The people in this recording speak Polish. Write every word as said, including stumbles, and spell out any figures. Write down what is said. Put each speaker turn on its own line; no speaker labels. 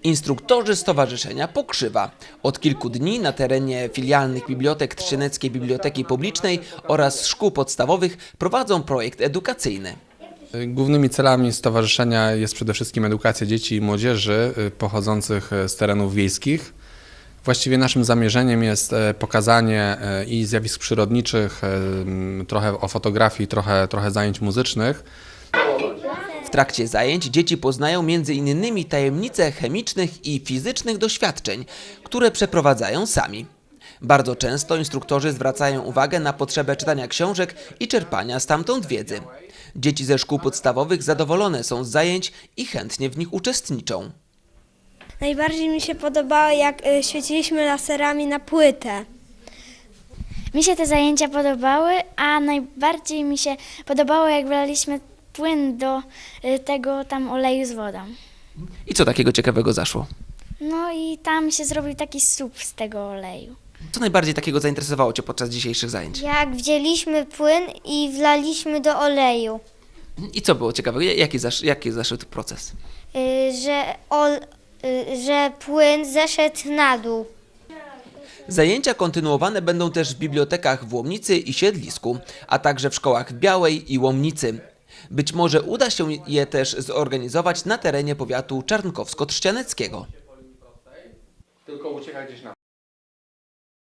Instruktorzy Stowarzyszenia Pokrzywa od kilku dni na terenie filialnych bibliotek Trzcianeckiej Biblioteki Publicznej oraz szkół podstawowych prowadzą projekt edukacyjny.
Głównymi celami stowarzyszenia jest przede wszystkim edukacja dzieci i młodzieży pochodzących z terenów wiejskich. Właściwie naszym zamierzeniem jest pokazanie i zjawisk przyrodniczych, trochę o fotografii, trochę, trochę zajęć muzycznych.
W trakcie zajęć dzieci poznają między innymi tajemnice chemicznych i fizycznych doświadczeń, które przeprowadzają sami. Bardzo często instruktorzy zwracają uwagę na potrzebę czytania książek i czerpania stamtąd wiedzy. Dzieci ze szkół podstawowych zadowolone są z zajęć i chętnie w nich uczestniczą.
Najbardziej mi się podobało, jak y, świeciliśmy laserami na płytę.
Mi się te zajęcia podobały, a najbardziej mi się podobało, jak wlaliśmy płyn do y, tego tam oleju z wodą.
I co takiego ciekawego zaszło?
No i tam się zrobił taki sup z tego oleju.
Co najbardziej takiego zainteresowało Cię podczas dzisiejszych zajęć?
Jak wzięliśmy płyn i wlaliśmy do oleju,
I co było ciekawego? Jaki, zasz, jaki zaszedł proces?
y, że, ol, y, że płyn zeszedł na dół.
Zajęcia kontynuowane będą też w bibliotekach w Łomnicy i Siedlisku, a także w szkołach w Białej i Łomnicy. Być może uda się je też zorganizować na terenie powiatu czarnkowsko-trzcianeckiego.
Tylko ucieka gdzieś na